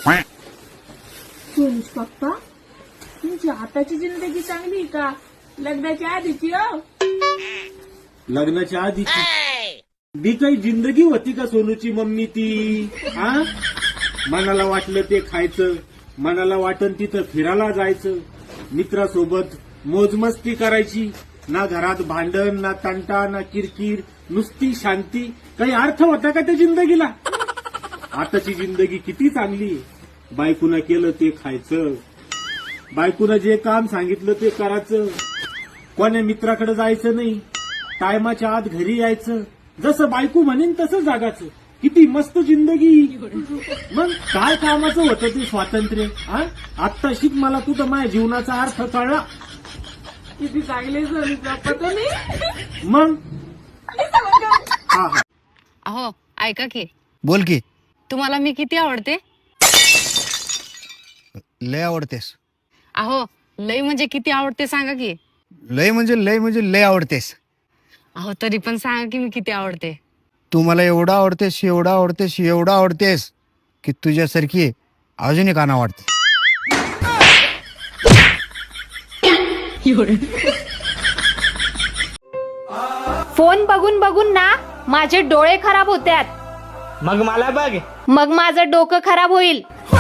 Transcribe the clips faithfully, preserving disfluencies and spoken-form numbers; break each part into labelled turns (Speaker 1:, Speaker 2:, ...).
Speaker 1: सोनुष पप्पा, तुमची आताची जिंदगी चांगली का लग्नाच्या आधीची? हो,
Speaker 2: लग्नाच्या आधीची बी काही जिंदगी होती का सोनूची मम्मी ती? हा, मनाला वाटलं ते खायचं, मनाला वाटन तिथं फिरायला जायचं, मित्रासोबत मोजमस्ती करायची, ना घरात भांडण, ना तंटा, ना किरकिर, नुसती शांती. काही अर्थ होता का त्या जिंदगीला? आताची जिंदगी किती चांगली आहे. बायकोनं केलं ते खायचं, बायकोनं जे काम सांगितलं ते करायचं, कोण्या मित्राकडे जायचं नाही, टायमाच्या आत घरी यायचं, जसं बायको म्हणेन तसं जागाचं. किती मस्त जिंदगी. मग काय कामाचं होतं ते स्वातंत्र्य? हा, आत्ता शिक मला तुझं माझ्या जीवनाचा अर्थ कळला.
Speaker 1: किती चांगले सोनुष पप्पा तुम्ही.
Speaker 2: मग हा हा
Speaker 3: अहो ऐका की,
Speaker 4: बोल की.
Speaker 3: तुम्हाला मी किती आवडते?
Speaker 4: लय आवडतेस.
Speaker 3: अहो लय म्हणजे किती आवडते सांगा की.
Speaker 4: लय म्हणजे लय म्हणजे लय आवडतेस.
Speaker 3: अहो तरी पण सांगा की मी किती आवडते.
Speaker 4: तू मला एवढा आवडतेस, एवढा आवडतेस, एवढा आवडतेस की तुझ्यासारखी अजून एक आणा वाटते.
Speaker 5: फोन बघून बघून ना माझे डोळे खराब होतात.
Speaker 6: मग मला बघ.
Speaker 5: मग माझं डोकं खराब होईल.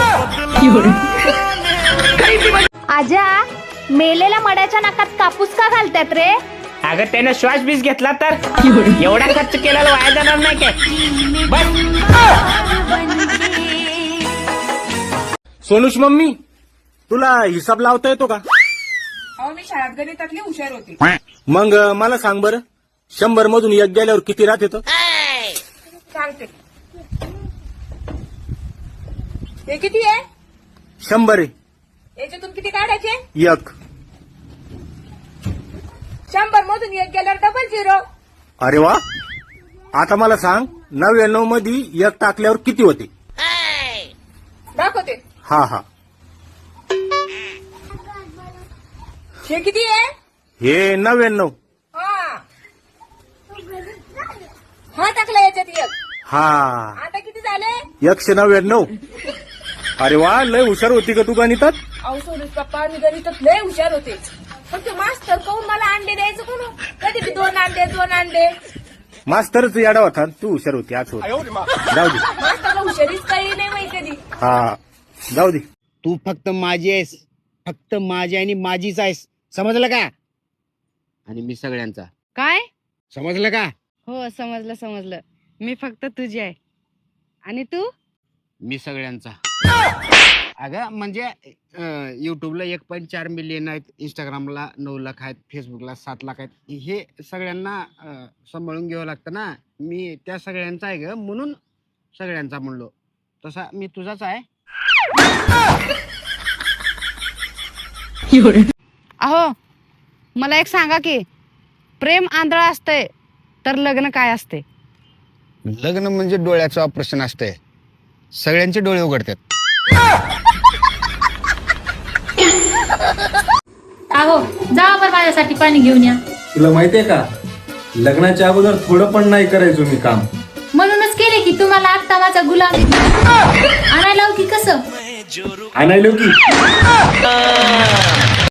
Speaker 5: आजा, मेलेल्या मड्याच्या नाकात कापूस का घालतात रे?
Speaker 6: अगं त्यानं श्वास बीस घेतला तर एवढा खर्च केलेला वाया जाणार नाही काय? बस.
Speaker 2: सोनूश मम्मी, तुला हिसाब लावता येतो का?
Speaker 1: अहो, मी शाळेत गणितातली हुशार होते.
Speaker 2: मग अं, मला सांग बरं, शंभर मधून एक गेल्यावर किती राहत येतं?
Speaker 1: सांगते. हे किती आहे?
Speaker 2: शंभर आहे.
Speaker 1: याच्यातून किती काढायचे?
Speaker 2: एक.
Speaker 1: शंभर मधून एक गेल्यावर डबल झिरो.
Speaker 2: अरे वा. आता मला सांग, नव्याण्णव मध्ये एक टाकल्यावर किती होते?
Speaker 1: दाखवते.
Speaker 2: हा हा.
Speaker 1: हे किती आहे?
Speaker 2: हे नव्याण्णव.
Speaker 1: हा हा टाकला याच्यात एक.
Speaker 2: हा,
Speaker 1: आता किती झाले?
Speaker 2: एकशे नव्याण्णव. अरे वा, लय हुशार होती का तू गणितात?
Speaker 1: अहो सोनुष पप्पा, मी गणितात लय हुशार होते. फक्त मास्तर कहून मला अंडे द्यायचं कोण? कधी बी दोन अंडे दोन अंडे.
Speaker 2: मास्तरच याडा होता, तू हुशार होती. आज होत जाऊ दे.
Speaker 1: मास्तरला हुशारीच काही नाही माहिती कधी.
Speaker 2: हा, जाऊ दे.
Speaker 4: तू फक्त माझी आहेस, फक्त माझी आणि माझीच आहेस. समजलं का? आणि मी सगळ्यांचा.
Speaker 3: काय?
Speaker 4: समजलं का?
Speaker 3: हो समजलं समजलं. मी फक्त तुझी आहे आणि तू?
Speaker 4: मी सगळ्यांचा. अगं म्हणजे युट्यूबला एक पॉईंट चार मिलियन आहेत, इंस्टाग्रामला नऊ लाख आहेत, फेसबुकला सात लाख आहेत. हे सगळ्यांना अं, सांभाळून घ्यावं लागतं ना. मी त्या सगळ्यांचा आहे ग, म्हणून सगळ्यांचा म्हणलो. तसा मी तुझाच आहे.
Speaker 3: अहो मला एक सांगा की, प्रेम आंधळा असतंय तर लग्न काय असते?
Speaker 4: लग्न म्हणजे डोळ्याचं ऑपरेशन असतंय, सगळ्यांचे डोळे उघडतात.
Speaker 5: अहो, जा बरं माझ्यासाठी पाणी घेऊन या.
Speaker 7: तुला माहितीये का, लग्नाच्या अगोदर थोडं पण नाही करायचो मी काम.
Speaker 5: म्हणूनच केले की तुम्हाला आत्ता माझा गुलाम आणायला की कसं
Speaker 7: आणायलो की